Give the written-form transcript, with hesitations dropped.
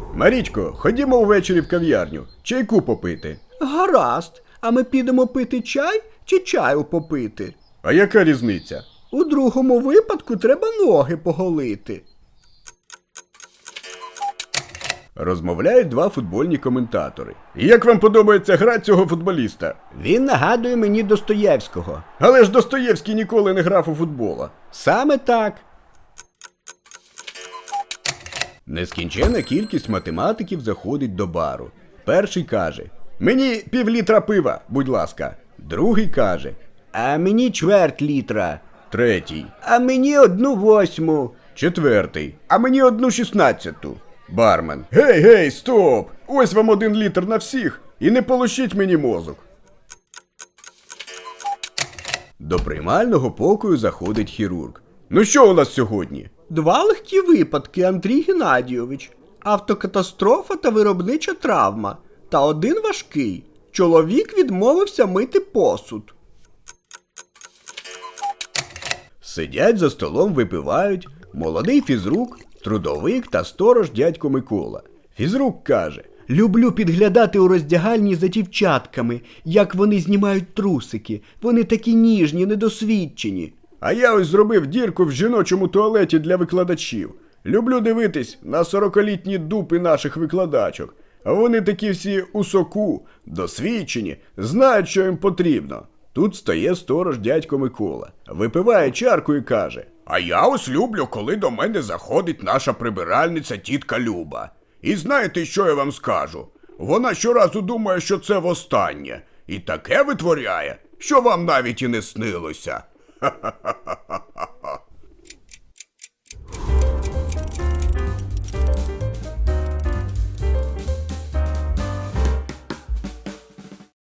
Марічко, ходімо ввечері в кав'ярню. Чайку попити. Гаразд. А ми підемо пити чай чи чаю попити? А яка різниця? У другому випадку треба ноги поголити. Розмовляють два футбольні коментатори. І як вам подобається гра цього футболіста? Він нагадує мені Достоєвського. Але ж Достоєвський ніколи не грав у футбола. Саме так. Нескінчена кількість математиків заходить до бару. Перший каже: «Мені півлітра пива, будь ласка». Другий каже: А мені чверть літра. Третій. А мені 1/8. Четвертий. А мені 1/16. Бармен: «Гей, стоп! Ось вам 1 літр на всіх, і не полощіть мені мозок». До приймального покою заходить хірург. «Ну що у нас сьогодні?» 2 легкі випадки, Андрій Геннадійович. Автокатастрофа та виробнича травма. Та 1 важкий. Чоловік відмовився мити посуд. Сидять за столом, випивають молодий фізрук, трудовик та сторож дядько Микола. Фізрук каже: Люблю підглядати у роздягальні за дівчатками, як вони знімають трусики. Вони такі ніжні, недосвідчені. «А я ось зробив дірку в жіночому туалеті для викладачів. Люблю дивитись на 40-літні дупи наших викладачок. А вони такі всі у соку, досвідчені, знають, що їм потрібно». Тут стає сторож дядько Микола, випиває чарку і каже: «А я ось люблю, коли до мене заходить наша прибиральниця тітка Люба. І знаєте, що я вам скажу? Вона щоразу думає, що це востаннє. І таке витворяє, що вам навіть і не снилося. Ха-ха-ха-ха».